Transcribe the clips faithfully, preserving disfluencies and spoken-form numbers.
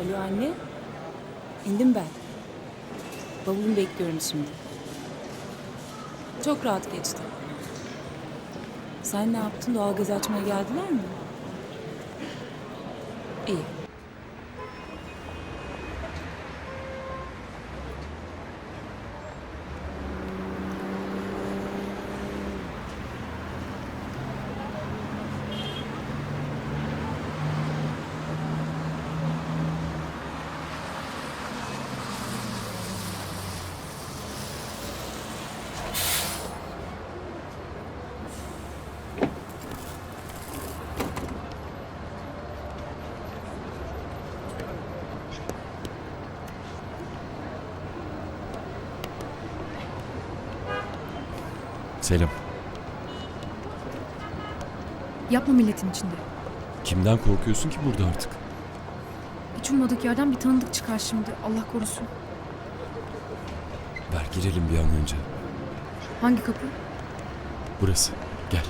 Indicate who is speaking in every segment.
Speaker 1: Alo anne. İndim ben. Bavulumu bekliyorum şimdi. Çok rahat geçti. Sen ne yaptın? Doğalgaz açmaya geldiler mi? İyi.
Speaker 2: Selam.
Speaker 3: Yapma milletin içinde.
Speaker 2: Kimden korkuyorsun ki burada artık?
Speaker 3: Hiç ummadık yerden bir tanıdık çıkar şimdi. Allah korusun.
Speaker 2: Ver girelim bir an önce.
Speaker 3: Hangi kapı?
Speaker 2: Burası. Gel.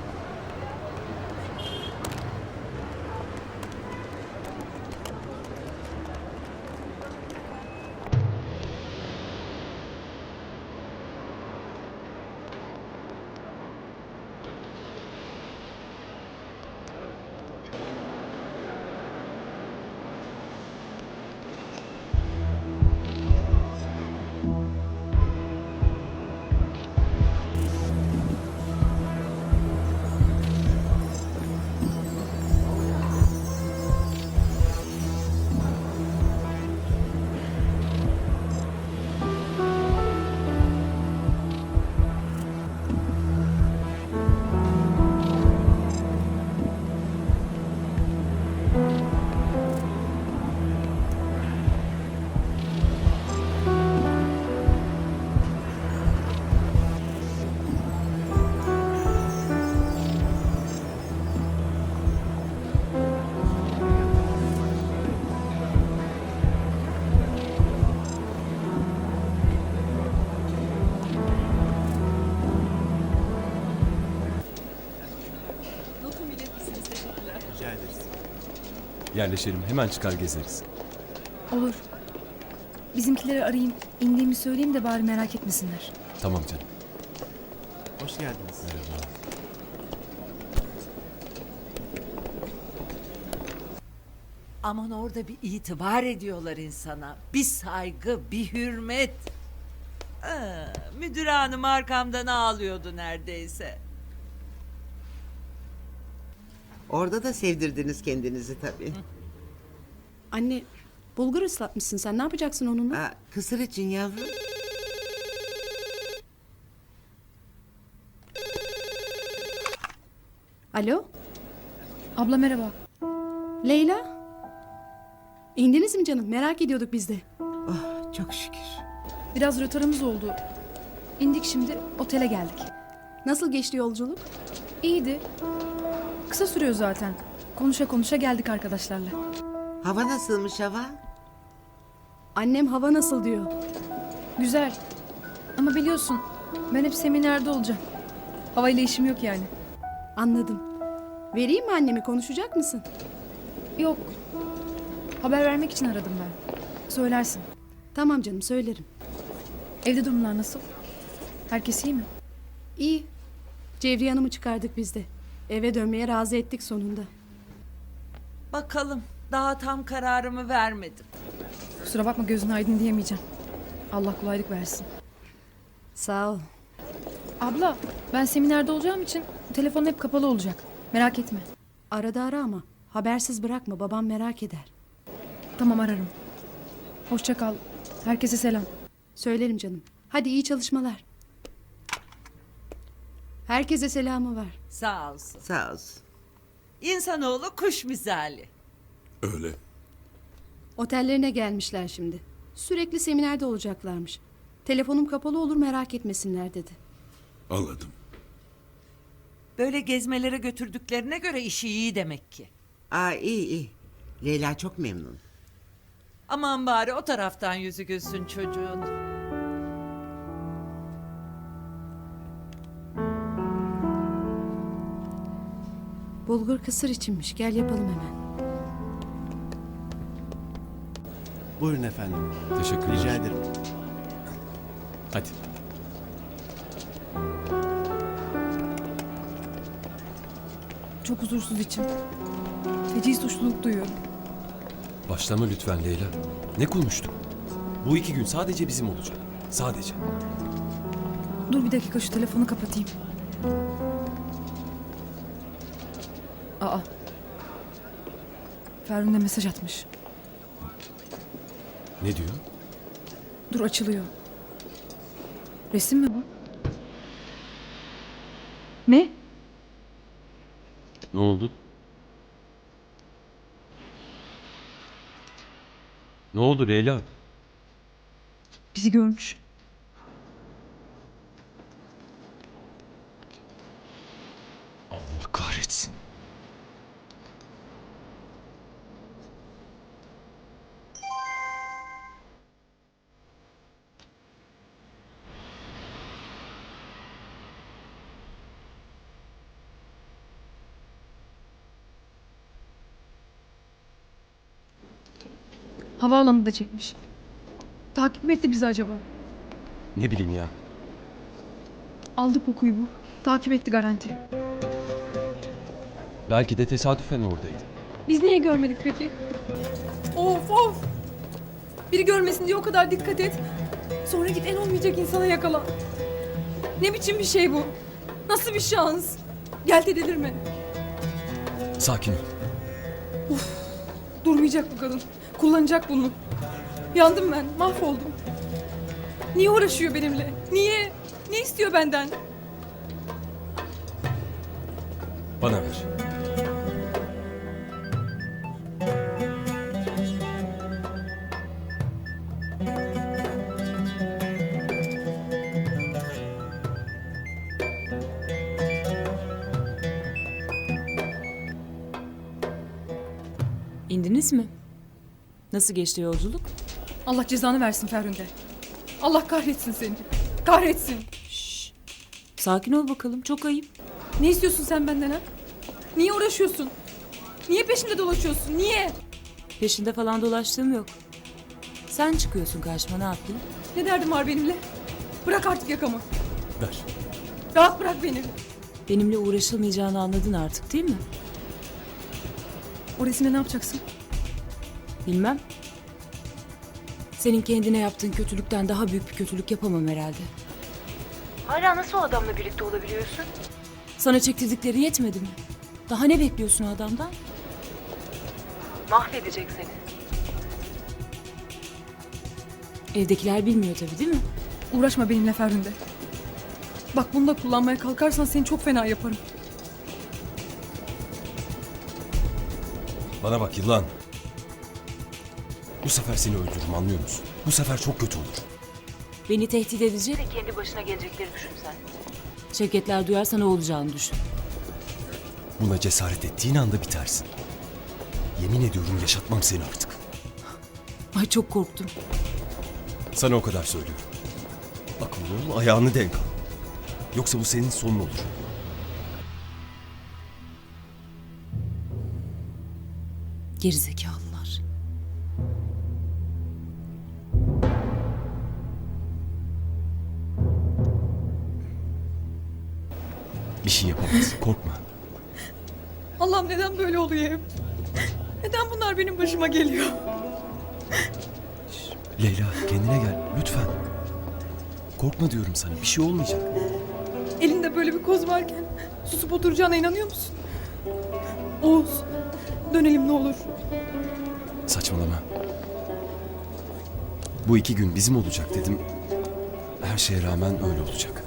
Speaker 2: Yerleşelim. Hemen çıkar gezeriz.
Speaker 3: Olur. Bizimkileri arayayım. İndiğimi söyleyeyim de bari merak etmesinler.
Speaker 2: Tamam canım.
Speaker 4: Hoş geldiniz.
Speaker 2: Merhaba.
Speaker 5: Aman orada bir itibar ediyorlar insana. Bir saygı, bir hürmet. Aa, müdür hanım arkamdan ağlıyordu neredeyse.
Speaker 6: Orada da sevdirdiniz kendinizi tabii.
Speaker 7: Anne, bulgur ıslatmışsın sen. Ne yapacaksın onunla?
Speaker 6: Aa, kısır için yavrum.
Speaker 7: Alo,
Speaker 3: Abla merhaba.
Speaker 7: Leyla? İndiniz mi canım? Merak ediyorduk biz de.
Speaker 6: Oh, çok şükür.
Speaker 3: Biraz rötarımız oldu. İndik şimdi otele geldik.
Speaker 7: Nasıl geçti yolculuk?
Speaker 3: İyiydi. Kısa sürüyor zaten. Konuşa konuşa geldik arkadaşlarla.
Speaker 6: Hava nasılmış hava?
Speaker 7: Annem hava nasıl diyor.
Speaker 3: Güzel. Ama biliyorsun ben hep seminerde olacağım. Havayla işim yok yani.
Speaker 7: Anladım. Vereyim mi annemi? Konuşacak mısın?
Speaker 3: Yok. Haber vermek için aradım ben. Söylersin.
Speaker 7: Tamam canım, söylerim.
Speaker 3: Evde durumlar nasıl? Herkes iyi mi?
Speaker 7: İyi. Cevriye Hanım'ı çıkardık biz de. Eve dönmeye razı ettik sonunda.
Speaker 5: Bakalım, daha tam kararımı vermedim.
Speaker 3: Kusura bakma gözün aydın diyemeyeceğim. Allah kolaylık versin.
Speaker 7: Sağ ol.
Speaker 3: Abla ben seminerde olacağım için telefon hep kapalı olacak. Merak etme.
Speaker 7: Arada ara ama habersiz bırakma. Babam merak eder.
Speaker 3: Tamam ararım. Hoşça kal. Herkese selam.
Speaker 7: Söylerim canım. Hadi iyi çalışmalar. Herkese selamı var.
Speaker 5: Sağ olsun.
Speaker 6: Sağ olsun.
Speaker 5: İnsanoğlu kuş misali.
Speaker 2: Öyle.
Speaker 7: Otellerine gelmişler şimdi. Sürekli seminerde olacaklarmış. Telefonum kapalı olur merak etmesinler dedi.
Speaker 8: Anladım.
Speaker 5: Böyle gezmelere götürdüklerine göre işi iyi demek ki.
Speaker 6: Aa, iyi iyi. Leyla çok memnun.
Speaker 5: Aman bari o taraftan yüzü gülsün çocuğun.
Speaker 7: Bulgur kısır içinmiş. Gel yapalım hemen.
Speaker 4: Buyurun efendim.
Speaker 2: Teşekkürler.
Speaker 4: Rica ederim.
Speaker 2: Hadi.
Speaker 3: Çok huzursuz içim. Feci suçluluk duyuyorum.
Speaker 2: Başlama lütfen Leyla. Ne konuştuk? Bu iki gün sadece bizim olacak. Sadece.
Speaker 3: Dur bir dakika şu telefonu kapatayım. Aa. Ferhunde mesaj atmış.
Speaker 2: Ne diyor?
Speaker 3: Dur açılıyor. Resim mi bu? Ne?
Speaker 2: Ne oldu? Ne oldu Leyla?
Speaker 3: Bizi görmüş.
Speaker 2: Allah kahretsin.
Speaker 3: Havaalanında çekmiş. Takip mi etti bizi acaba?
Speaker 2: Ne bileyim ya.
Speaker 3: Aldı kokuyu bu. Takip etti garanti.
Speaker 2: Belki de tesadüfen oradaydı.
Speaker 3: Biz niye görmedik peki? Of of! Biri görmesin diye o kadar dikkat et. Sonra git en olmayacak insana yakala. Ne biçim bir şey bu? Nasıl bir şans? Gel de delirme.
Speaker 2: Sakin ol.
Speaker 3: Durmayacak bu kadın. Kullanacak bunu. Yandım ben. Mahvoldum. Niye uğraşıyor benimle? Niye? Ne istiyor benden?
Speaker 2: Bana ver.
Speaker 1: İndiniz mi? Nasıl geçti yolculuk?
Speaker 3: Allah cezanı versin Ferhunde. Allah kahretsin seni. Kahretsin.
Speaker 1: Sakin ol bakalım. Çok ayıp.
Speaker 3: Ne istiyorsun sen benden ha? Niye uğraşıyorsun? Niye peşimde dolaşıyorsun? Niye?
Speaker 1: Peşinde falan dolaştığım yok. Sen çıkıyorsun karşıma, ne yapayım?
Speaker 3: Ne derdim var benimle? Bırak artık yakamı.
Speaker 2: Ver.
Speaker 3: Rahat bırak beni.
Speaker 1: Benimle uğraşılmayacağını anladın artık değil mi?
Speaker 3: O resimle ne yapacaksın?
Speaker 1: Bilmem. Senin kendine yaptığın kötülükten daha büyük bir kötülük yapamam herhalde. Hala nasıl o adamla birlikte olabiliyorsun? Sana çektirdikleri yetmedi mi? Daha ne bekliyorsun o adamdan? Mahvedecek seni. Evdekiler bilmiyor tabii değil mi?
Speaker 3: Uğraşma benimle Ferhunde. Bak bunu da kullanmaya kalkarsan seni çok fena yaparım.
Speaker 2: Bana bak yılan. Bu sefer seni öldürürüm, anlıyor musun? Bu sefer çok kötü olur.
Speaker 1: Beni tehdit edecek. Kendi başına gelecekleri düşün sen. Şevketler duyarsa ne olacağını düşün.
Speaker 2: Buna cesaret ettiğin anda bitersin. Yemin ediyorum yaşatmam seni artık.
Speaker 1: Ay çok korktum.
Speaker 2: Sana o kadar söylüyorum. Akıllı ol, ayağını denk al. Yoksa bu senin sonun olur.
Speaker 1: Gerizekalılar.
Speaker 2: Bir şey yapamaz, korkma.
Speaker 3: Allah'ım neden böyle oluyor hep? Neden bunlar benim başıma geliyor?
Speaker 2: Leyla kendine gel, lütfen. Korkma diyorum sana, bir şey olmayacak.
Speaker 3: Elinde böyle bir koz varken susup oturacağına inanıyor musun? Oğuz, dönelim ne olur.
Speaker 2: Saçmalama. Bu iki gün bizim olacak dedim. Her şeye rağmen öyle olacak.